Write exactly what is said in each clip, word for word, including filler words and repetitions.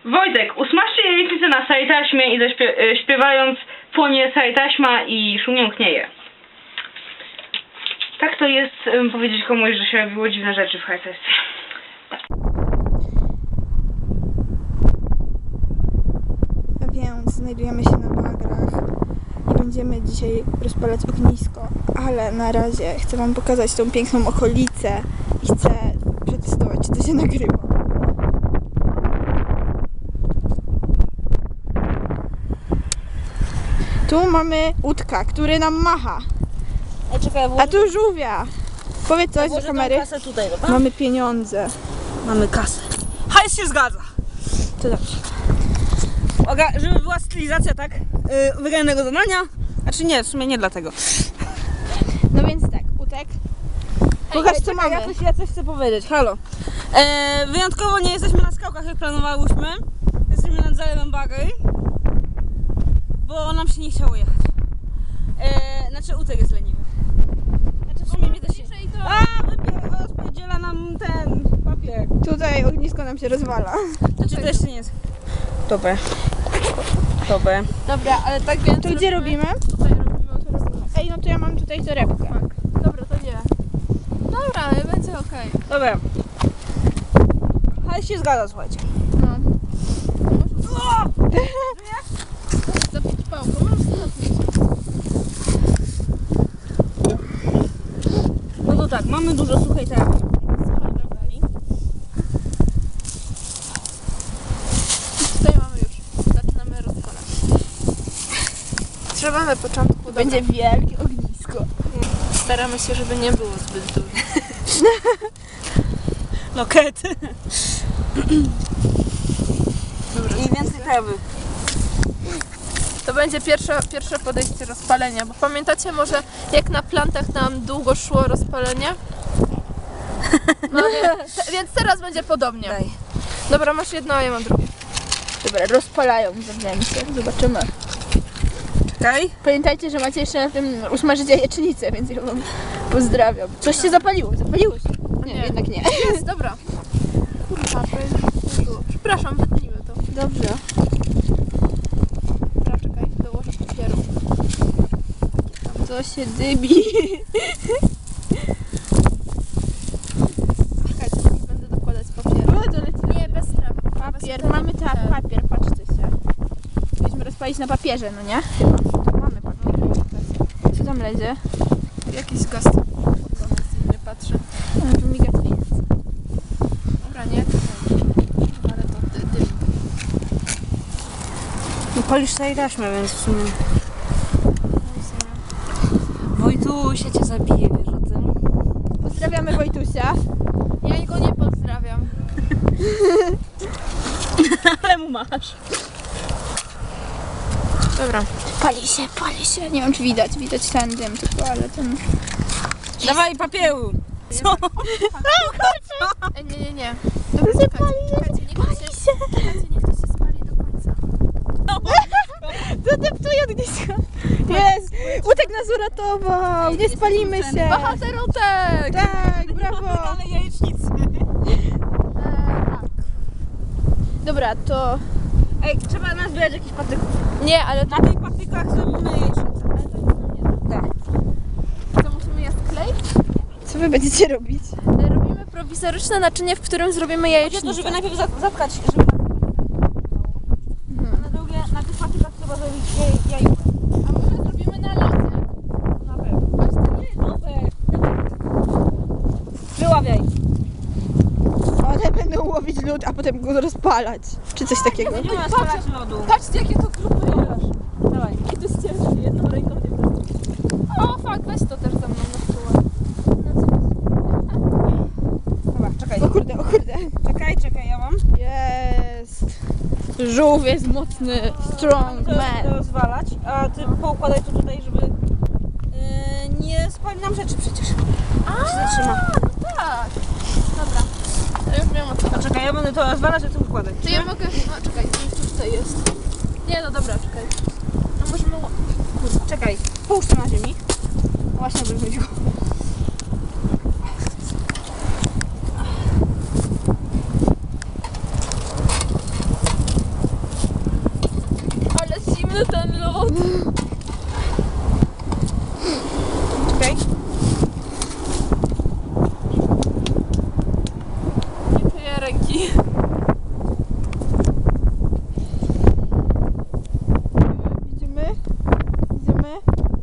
Wojtek, usmażcie jajecznicę na sajtaśmie i śpiewając płonie sajtaśma i szumią knieje. Tak to jest um, powiedzieć komuś, że się robiło dziwne rzeczy w H S S. Więc znajdujemy się na bagrach i będziemy dzisiaj rozpalać ognisko, ale na razie chcę wam pokazać tą piękną okolicę i chcę przetestować, czy to się nagrywa. Tu mamy łódka, który nam macha, Ej, czekaj, a tu żółwia. Powiedz coś do kamery. Kasę tutaj, dobra? Mamy pieniądze. Mamy kasę. Hajs się zgadza. To dobrze. Uwaga, żeby była stylizacja, tak? Yy, wygranego zadania. Znaczy nie, w sumie nie dlatego. No więc tak, Utek. Pokaż co czekaj, mamy. Ja coś, ja coś chcę powiedzieć, halo. E, wyjątkowo nie jesteśmy na skałkach, jak planowałyśmy. Jesteśmy nad zalewem Bagry, bo nam się nie chciało jechać. E, znaczy Utek jest leniwy. Znaczy w sumie mnie też się... A, wypie- rozpierdziela nam ten papier. Tutaj ognisko nam się rozwala. Znaczy też nie jest... Dobra. Dobra. Dobra, ale tak więc... To gdzie robimy? Tutaj robimy autoryzację. Ej, no to ja mam tutaj torebkę. Dobra, to nie. Dobra, ale będzie okej. Dobra. Hajs się zgadza, słuchajcie. No. Zapić pałką, możesz zapić. No to tak, mamy dużo suchej trawy. Tutaj mamy już. Zaczynamy rozpalać. Trzeba na początku... Będzie wielkie ognisko. Staramy się, żeby nie było zbyt duże. Lokety. I więcej trawy. To będzie pierwsze, pierwsze podejście rozpalenia, bo pamiętacie może jak na plantach nam długo szło rozpalenie? No więc, te, więc teraz będzie podobnie. Daj. Dobra, masz jedno, a ja mam drugie. Dobra, rozpalają zewnętrznie. Zobaczymy. Czekaj. Pamiętajcie, że macie jeszcze na tym usmażyć jajecznicę, więc ja wam pozdrawiam. Coś się zapaliło, zapaliło się. Nie, Nie. jednak nie. Jest, dobra. Kurwa, to jest... było. Przepraszam, wytnijmy to. Dobrze. Dobra, czekaj, dołożę papieru. To się dymi. Czekajcie, nie będę dokładać papieru. O, to leci. Nie, bez trawy. Papier, mamy tak, papier, patrzcie się. Mieliśmy rozpalić na papierze, no nie? Chyba. Mamy papier. Co tam lezie? Jakiś gaz. Nie patrzę. A, tu miga świec. Dobra, nie, to nie. Ale to dy, dym. No palisz tutaj taśmę, więc w sumie... Wojtusia cię zabije, wiesz o tym? Pozdrawiamy Wojtusia. Ja go nie pozdrawiam. Ale mu masz. Dobra. Pali się, pali się. Nie wiem, czy widać. Widać ten dym tylko, ale ten... Dawaj papieru. Co? Ej, nie, nie, nie. Dobra, się pali, Czekajcie, niech to się, czekajcie, niech to się spali do końca. Zadeptuje ognisko. Jest! Utek nas uratował! Nie spalimy się! Bohater Utek! Tak, brawo! Ale jajecznicy. Dobra, to... Ej, trzeba nazbierać jakiś patyków. Nie, ale to, Na tych patykach zrobimy jajecznicę. Tak. to musimy je skleić. Co wy będziecie robić? Robimy prowizoryczne naczynie, w którym zrobimy Chodzi o jajecznicę. to, żeby najpierw za- zapchać, żeby na tych patykach. A na drugie, na tych patykach trzeba zrobić jaj- jajówkę. A może zrobimy na lodzie? Na pewno. Wyławiaj. One będą łowić lód, a potem go rozpalać. Czy coś takiego. Nie ma spalać lodu. Patrzcie, jakie to grupy jest. Dawaj. I to jest ciężkie, jedną ręką nie wystarczy. O, fuck, weź to też za mną na tyłu. Dobra, czekaj. O kurde, o kurde. Czekaj, czekaj, ja mam. Jest! Żółw jest mocny, strong To man. rozwalać, a ty poukładaj to tutaj, żeby yy, nie spali nam rzeczy przecież. A, się zatrzyma. no tak. Dobra. Ja już wiem o co. A czekaj, ja będę to rozwalać, a ty układaj. Czy ja mogę... A, czekaj, to tutaj jest. Nie, no dobra, czekaj. No możemy... Kurwa, czekaj, połóż to na ziemi. Właśnie bym chodziło.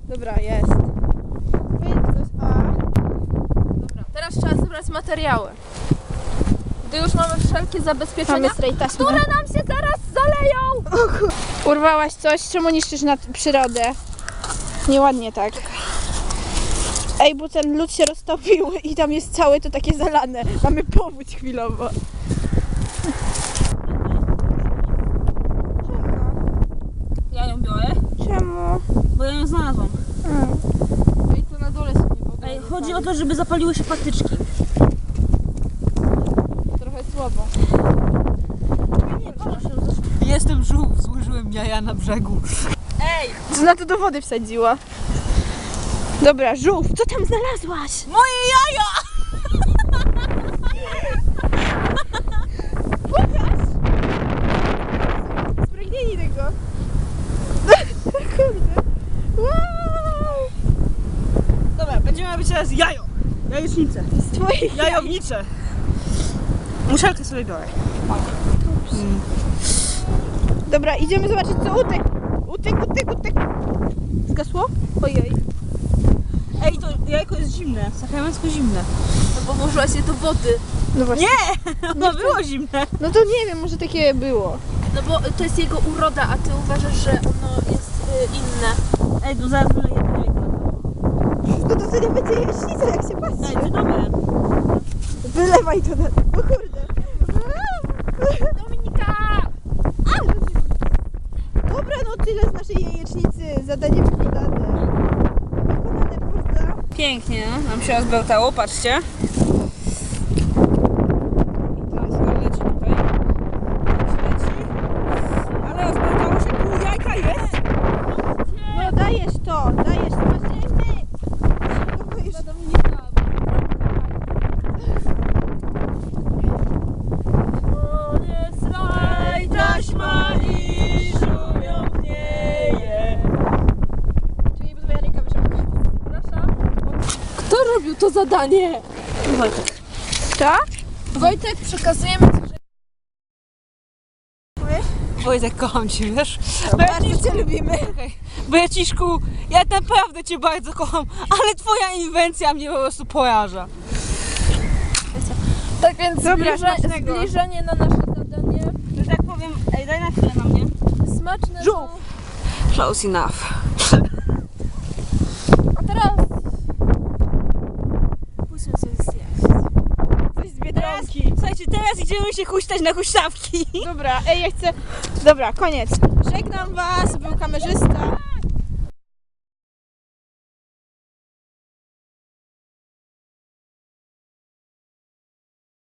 Dobra, jest. Powiedz coś, a... Dobra, teraz trzeba zebrać materiały. Gdy już mamy wszelkie zabezpieczenia, Mamy strej taśmy. które nam się zaraz zaleją! Urwałaś coś, czemu niszczysz nad przyrodę? Nieładnie tak. Ej, bo ten lód się roztopił i tam jest całe to takie zalane. Mamy powódź chwilowo. Ja ją biorę, Czemu? bo ja ją znalazłam. I to na dole się nie w ogóle Ej, nie chodzi pali. o to, żeby zapaliły się patyczki. Trochę słabo. Jestem żółw, złożyłem jaja na brzegu. Ej! Co na to do wody wsadziła? Dobra, żółw, co tam znalazłaś? Moje jaja! Spragnęli tego. Kurde. Wow! Dobra, będziemy robić teraz jajo. Jajecznicę. Z twoich Jajownicze. Muszelkę sobie biorę. Dobra, idziemy zobaczyć co utek. Utek, utek, utek. Zgasło? Ojej. Ej, to jajko jest zimne. Sakramencko zimne. No bo włożyłaś je do wody. No właśnie. Nie! Ono było zimne. No to nie wiem, może takie było. No bo to jest jego uroda, a ty uważasz, że ono jest y, inne. Ej, to zaraz wyleję to jajko na to. No to to nie będzie jaśnica, jak się Ej, patrzy. to dobre. Wylewaj to na... O kurde. Dominika! Dobra, no tyle z naszej jajecznicy. Zadanie wykonane. Wykonane, prawda? Pięknie, no. Nam się rozbełtało, patrzcie. I teraz leci tutaj. Leci. Ale rozbełtało się, pół jajka jest. No dajesz to, dajesz, zobaczymy. Dla Dominika. Slaj taśma i szumiątnieje. Czyli twoja ręka wyszła. Proszę. Kto robił to zadanie? Wojtek. Tak? Wojtek, przekazujemy ci, że... Wojtek, kocham cię, wiesz? Bardzo cię lubimy. Braciszku, ja naprawdę cię bardzo kocham, ale twoja inwencja mnie po prostu poraża. Tak więc Dobra, zbliża, smacznego. zbliżenie na nasze zadanie. Że tak powiem, ej, daj na chwilę na mnie. Smaczne Żółw. są- Close enough. A teraz... Pójdźmy coś zjeść. Coś z Teraz, Biedronki. słuchajcie, teraz idziemy się huśtać na huśtawki. Dobra, ej, ja chcę... Dobra, koniec. Żegnam was, był kamerzysta.